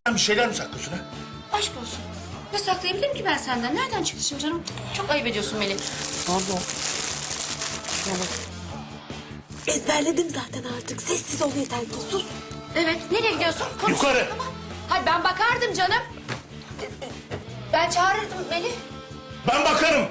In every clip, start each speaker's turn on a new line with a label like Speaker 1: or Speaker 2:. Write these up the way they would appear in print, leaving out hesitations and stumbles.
Speaker 1: Bir şeyler mi saklıyorsun ha?
Speaker 2: Aşk olsun. Ne saklayabilirim ki ben senden? Nereden çıktı şimdi canım? Çok ayıp ediyorsun Melih.
Speaker 3: Pardon. Ezberledim zaten artık. Sessiz ol yeter ki. Sus.
Speaker 2: Evet, nereye gidiyorsun? Konuş.
Speaker 1: Yukarı.
Speaker 2: Tamam. Hayır, ben bakardım canım. Ben çağırırdım Melih.
Speaker 1: Ben bakarım.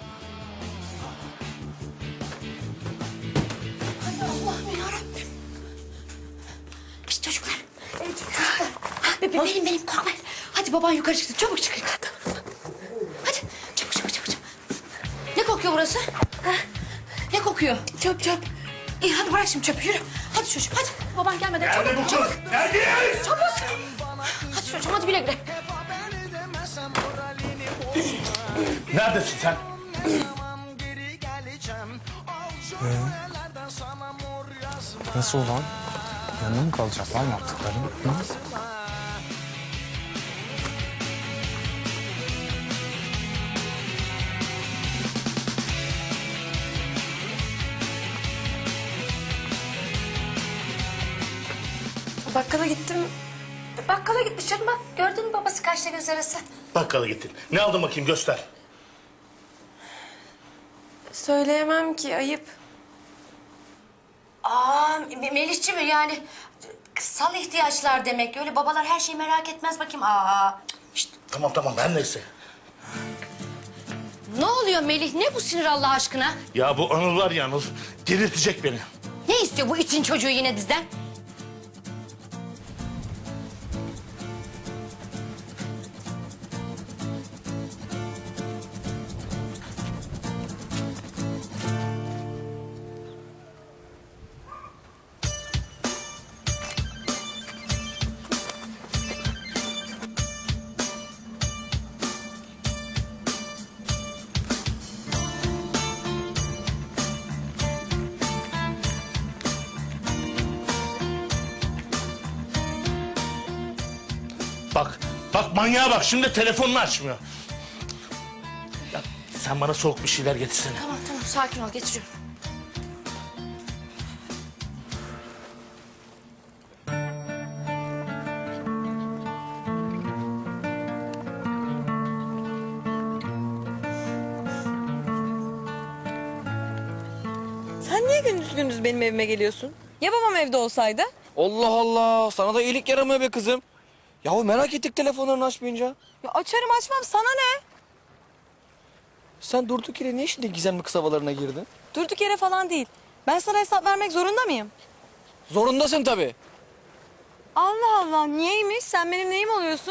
Speaker 2: Hay Allah'ım yarabbim. Şişt çocuklar. Evet çocuklar. Ha, benim korkmayın. Hadi baban yukarı çıktı. Çabuk çıkın. Hadi çabuk. Ne kokuyor burası? Ha? Ne kokuyor?
Speaker 3: Çöp.
Speaker 2: İyi hadi bırak şimdi çöpü yürü. Hadi çocuğum hadi. Baban gelmeden
Speaker 1: Nerede bu kız? Nerede?
Speaker 2: Çabuk. Hadi çocuğum hadi güle güle.
Speaker 1: Neredesin sen?
Speaker 4: Nasıl olan? Yanına mı kalacak? Var mı yaptıkların? Hı?
Speaker 2: Bakkala gittim. Bakkala gitmiş canım bak. Gördün mü babası kaçta göz arası?
Speaker 1: Bakkala gittin. Ne aldın bakayım göster.
Speaker 3: Söyleyemem ki. Ayıp.
Speaker 2: Aa Melihciğim yani kıssal ihtiyaçlar demek. Öyle babalar her şeyi merak etmez bakayım. Aa.
Speaker 1: Şişt, tamam her neyse.
Speaker 2: Ne oluyor Melih? Ne bu sinir Allah aşkına?
Speaker 1: Ya bu Anıl var ya Anıl. Delirtecek beni.
Speaker 2: Ne istiyor bu için çocuğu yine bizden?
Speaker 1: Bak manyağa bak. Şimdi telefonunu açmıyor. Ya sen bana soğuk bir şeyler getirsene.
Speaker 2: Tamam sakin ol getiriyorum.
Speaker 3: Sen niye gündüz benim evime geliyorsun? Ya babam evde olsaydı?
Speaker 5: Allah Allah, sana da iyilik yaramıyor be kızım. Yahu merak ettik telefonlarını açmayınca.
Speaker 3: Ya açarım açmam sana ne?
Speaker 5: Sen durduk yere niye şimdi gizemli kız havalarına girdin?
Speaker 3: Durduk yere falan değil. Ben sana hesap vermek zorunda mıyım?
Speaker 5: Zorundasın tabii.
Speaker 3: Allah Allah niyeymiş? Sen benim neyim oluyorsun?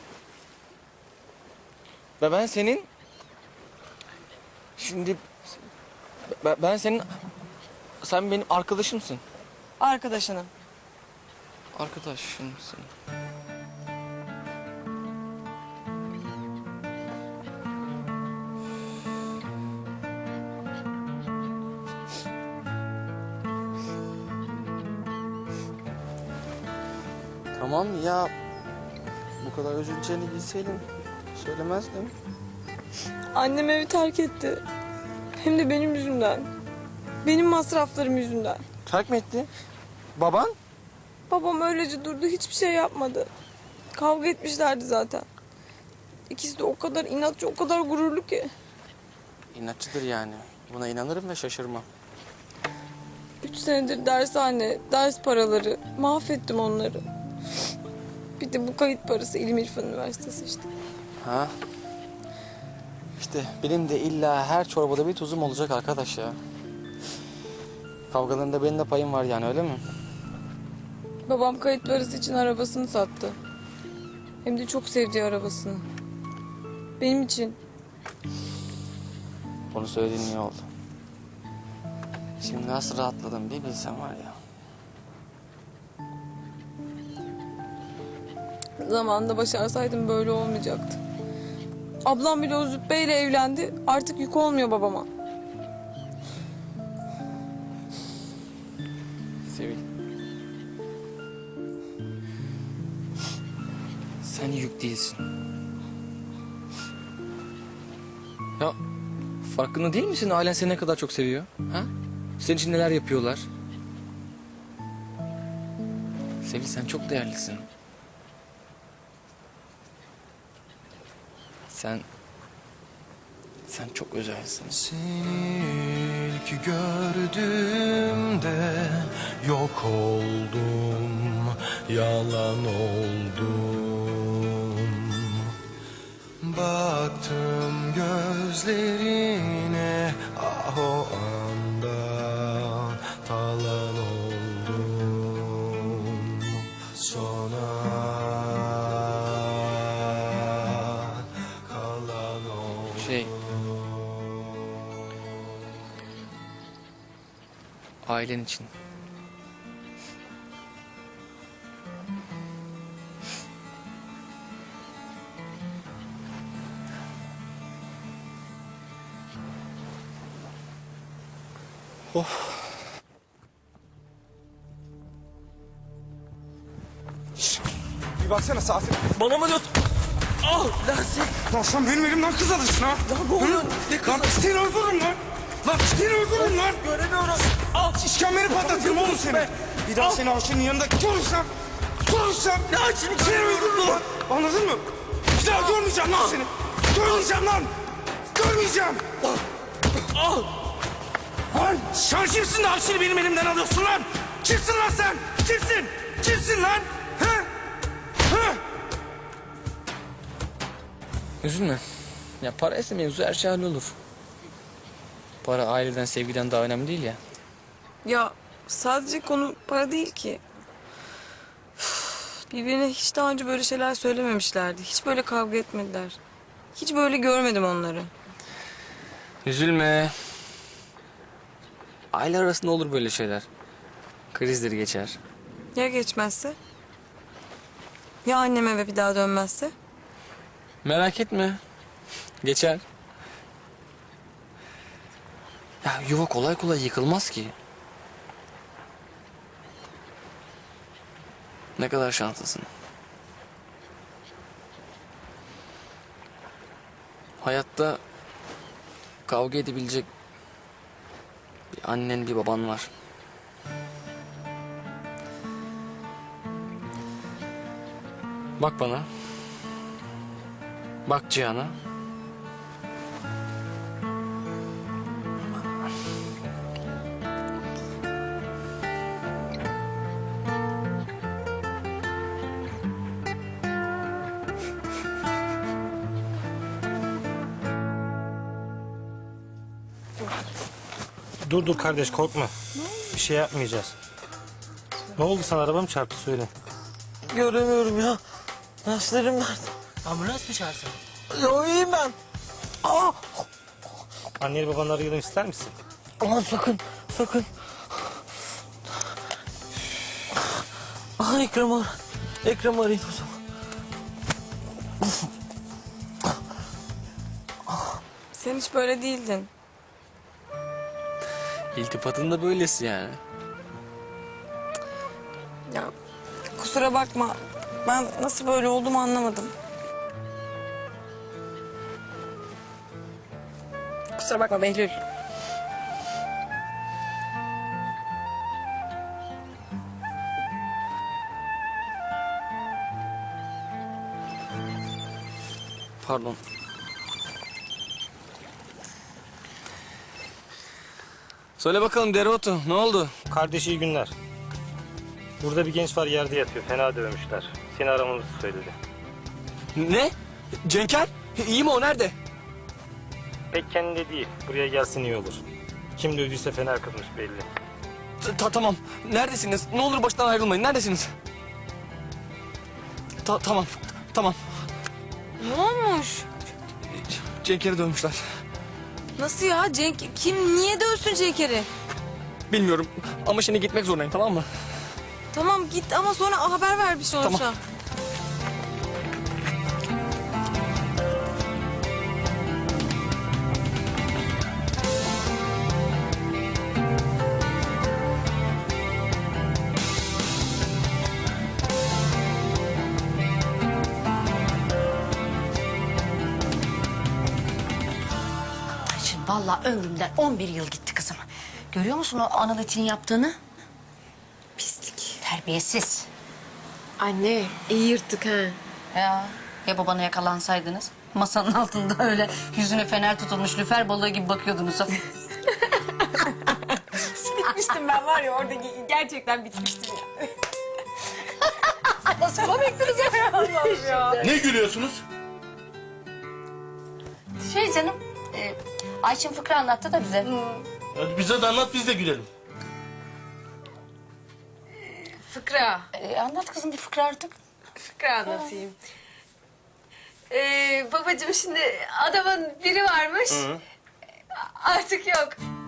Speaker 5: Ve ben senin... Şimdi... Ben senin... Sen benim arkadaşımsın.
Speaker 3: Arkadaşınım.
Speaker 5: Arkadaşımsın. Tamam ya, bu kadar üzüleceğini bilseydim söylemezdim.
Speaker 3: Annem evi terk etti. Hem de benim yüzümden. Benim masraflarım yüzünden.
Speaker 5: Terk mi etti? Baban?
Speaker 3: Babam öylece durdu hiçbir şey yapmadı. Kavga etmişlerdi zaten. İkisi de o kadar inatçı, o kadar gururlu ki.
Speaker 5: İnatçıdır yani. Buna inanırım ve şaşırmam.
Speaker 3: 3 senedir dershane, ders paraları, mahvettim onları. Bir de bu kayıt parası İlim İrfan Üniversitesi işte.
Speaker 5: Ha? İşte benim de illa her çorbada bir tuzum olacak arkadaş ya. Kavgalarında benim de payım var yani öyle mi?
Speaker 3: Babam kayıt parası için arabasını sattı. Hem de çok sevdiği arabasını. Benim için.
Speaker 5: Onu söylediğin iyi oldu. Şimdi nasıl rahatladım bir bilsem var ya.
Speaker 3: Zamanında başarsaydım böyle olmayacaktı. Ablam bile o züppeyle evlendi. Artık yük olmuyor babama.
Speaker 5: Sevil. Sen yük değilsin. Ya farkında değil misin? Ailen seni ne kadar çok seviyor. Ha? Senin için neler yapıyorlar? Sevil sen çok değerlisin. Sen çok özelsin.
Speaker 6: Seni ilk gördüğümde yok oldum, yalan oldum. Baktım gözlerine, ah o anda talan oldum. Sonra kalan oldum.
Speaker 5: Ailen için.
Speaker 4: Bir baksana Safi.
Speaker 5: Bana mı diyorsun? Ah Lasi.
Speaker 4: Lan sen benim elimden kız alırsın ha.
Speaker 5: Lan ne oluyor? Ne kızı?
Speaker 4: Lan seni öldürürüm lan. Lan seni öldürürüm lan.
Speaker 5: Göremiyorum. Al.
Speaker 4: İşkembeni patlatırım oğlum seni. Bir daha seni Ayşe'nin yanında görürsem
Speaker 5: Ne Ayşe'nin
Speaker 4: seni öldürürüm lan. Anladın mı? Bir daha görmeyeceğim lan seni. Görmeyeceğim lan. Görmeyeceğim. Lan sen kimsin de Ayşe'ni benim elimden alıyorsun lan? Kimsin lan sen? Kimsin? Kimsin lan? He? He?
Speaker 5: Üzülme. Ya para ise mevzu her şey hallolur. Para aileden, sevgiden daha önemli değil ya.
Speaker 3: Ya sadece konu para değil ki. Birbirine hiç daha önce böyle şeyler söylememişlerdi. Hiç böyle kavga etmediler. Hiç böyle görmedim onları.
Speaker 5: Üzülme. Aile arasında olur böyle şeyler. Krizleri geçer.
Speaker 3: Ya geçmezse? Ya annem eve bir daha dönmezse?
Speaker 5: Merak etme. Geçer. Ya yuva kolay kolay yıkılmaz ki. Ne kadar şanslısın. Hayatta kavga edebilecek bir annen, bir baban var. Bak bana. Bak Cihan'a.
Speaker 1: Dur kardeş korkma. Bir şey yapmayacağız. Ne oldu sana, araba mı çarptı, söyle.
Speaker 7: Göremiyorum ya. Derslerim nerede?
Speaker 1: Ambulans mı çağırsın?
Speaker 7: Ya iyiyim ben. Aa!
Speaker 1: Anneni babanı arayalım ister misin?
Speaker 7: Aman sakın, sakın. Aha Ekrem arayın o zaman.
Speaker 3: Sen hiç böyle değildin.
Speaker 5: İltifatın da böylesi yani.
Speaker 3: Ya kusura bakma. Ben nasıl böyle olduğumu anlamadım. Kusura bakma Behlül.
Speaker 5: Pardon. Söyle bakalım Dereotu, ne oldu?
Speaker 1: Kardeş iyi günler. Burada bir genç var, yerde yatıyor. Fena dövmüşler. Seni aramamızı söyledi.
Speaker 5: Ne? Cenker? İyi mi o, nerede?
Speaker 1: Pek kendinde değil. Buraya gelsin iyi olur. Kim dövdüyse fena kızmış belli.
Speaker 5: Tamam. Neredesiniz? Ne olur baştan ayrılmayın. Neredesiniz? Tamam.
Speaker 3: Ne olmuş?
Speaker 5: Cenker'i dövmüşler.
Speaker 3: Nasıl ya? Kim niye dövsün Cenk'eri?
Speaker 5: Bilmiyorum ama şimdi gitmek zorundayım, tamam mı?
Speaker 3: Tamam git ama sonra haber ver bir şey olursa.
Speaker 5: Tamam.
Speaker 2: Şimdi vallahi ömrümden 11 yıl gitti kızım. Görüyor musun o Anıl için yaptığını? Pislik. Terbiyesiz.
Speaker 8: Anne iyi yırttık ha.
Speaker 2: Ya babana yakalansaydınız? Masanın altında öyle yüzüne fener tutulmuş lüfer balığı gibi bakıyordunuz.
Speaker 3: Bitmiştim ben var ya orada gerçekten bitmiştim ya.
Speaker 2: Nasıl komiktiniz ya?
Speaker 1: Ne gülüyorsunuz?
Speaker 2: Şey canım, Ayçin fıkra anlattı da bize.
Speaker 1: Hadi bize de anlat biz de gülelim.
Speaker 3: Fıkra.
Speaker 2: Anlat kızım bir fıkra artık.
Speaker 3: Fıkra anlatayım. Babacığım şimdi adamın biri varmış. Artık yok.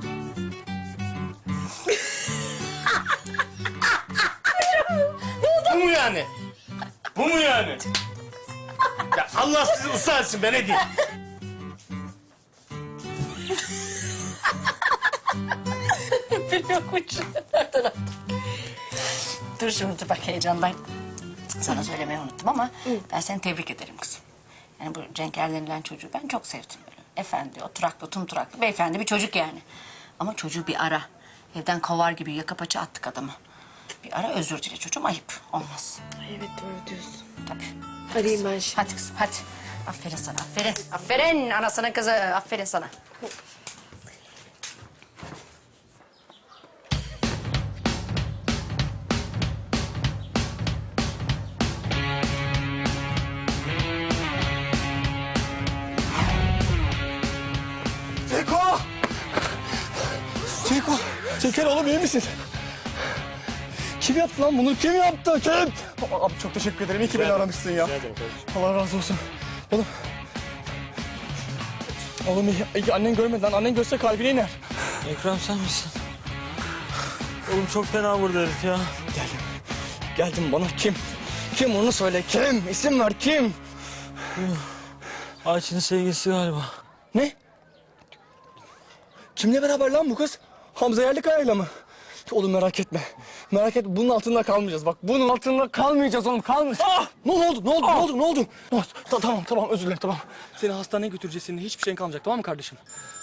Speaker 1: Bu mu yani? Bu mu yani? Ya Allah sizi ıslah etsin ben ne diyeyim?
Speaker 2: Yokmuş. Dur şimdi bak heyecandan. Sana söylemeyi unuttum ama ben seni tebrik ederim kızım. Yani bu Cenker denilen çocuğu ben çok sevdim böyle. Efendi, oturaklı, tumturaklı, beyefendi bir çocuk yani. Ama çocuğu bir ara. Evden kovar gibi yaka paça attık adamı. Bir ara özür dile çocuğum ayıp. Olmaz.
Speaker 3: Evet doğru diyorsun.
Speaker 2: Tabii.
Speaker 3: Arayayım ben şimdi.
Speaker 2: Hadi kızım hadi. Aferin sana aferin. Aferin anasının kızı aferin sana.
Speaker 6: Ceko! Ceko! Cenker oğlum iyi misin? Kim yaptı lan bunu? Kim yaptı? Kim? Abi çok teşekkür ederim. İyi ki beni aramışsın ya. Allah razı olsun. Oğlum. Oğlum iyi annen görmedi lan. Annen görse kalbine iner.
Speaker 7: Ekrem sen misin? Oğlum çok fena vurdu herif ya.
Speaker 6: Geldim. Geldim bana kim? Kim onu söyle kim? İsim ver kim?
Speaker 7: Ayçin'in sevgilisi galiba.
Speaker 6: Ne? Kimle beraber lan bu kız? Hamza Yerlikaya'yla mı? Oğlum merak etme. Merak etme bunun altında kalmayacağız. Bak bunun altında kalmayacağız oğlum kalmayacağız. Ah! Ne oldu? Ne oldu? Ne oldu? Ne oldu? Tamam özür dilerim tamam.
Speaker 5: Seni hastaneye götüreceğiz. Senin hiçbir şeyin kalmayacak, tamam mı kardeşim?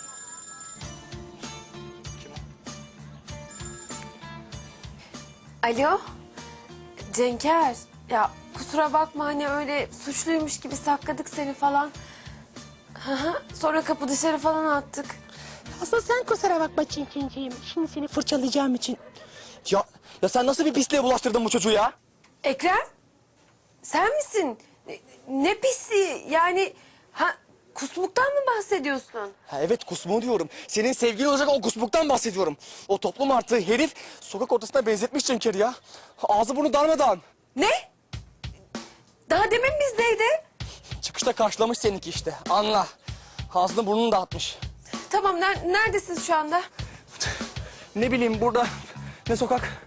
Speaker 3: Alo. Cenker. Ya kusura bakma hani öyle suçluymuş gibi sakladık seni falan. Hı hı. Sonra kapı dışarı falan attık.
Speaker 8: Aslında sen kusura bakma Çinçinciğim. Şimdi seni fırçalayacağım için.
Speaker 6: Ya sen nasıl bir pisliğe bulaştırdın bu çocuğu ya?
Speaker 3: Ekrem. Sen misin? Ne pisi yani kusmuktan mı bahsediyorsun?
Speaker 6: Ha, evet kusmuğu diyorum. Senin sevgilin olacak o kusmuktan bahsediyorum. O toplum artığı herif sokak ortasına benzetmiş Cenker'i ya. Ağzı burnu darmadağın.
Speaker 3: Ne? Daha demin bizdeydi.
Speaker 6: Çıkışta karşılamış seninki işte. Anla. Ağzını burnunu dağıtmış.
Speaker 3: Tamam neredesin şu anda?
Speaker 6: Ne bileyim burada ne sokak?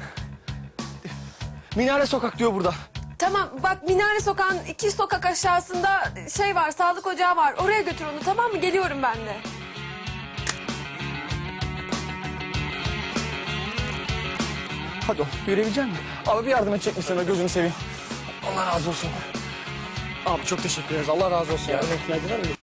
Speaker 6: Minare sokak diyor burada.
Speaker 3: Tamam bak Minare Sokağı'nın 2 sokak aşağısında şey var sağlık ocağı var. Oraya götür onu tamam mı? Geliyorum ben de.
Speaker 6: Hadi oğlum yürüyebilecek misin? Abi bir yardım edecek misin? Gözünü seveyim. Allah razı olsun. Abi çok teşekkür ederiz. Allah razı olsun.
Speaker 1: Yardım etmediler mi?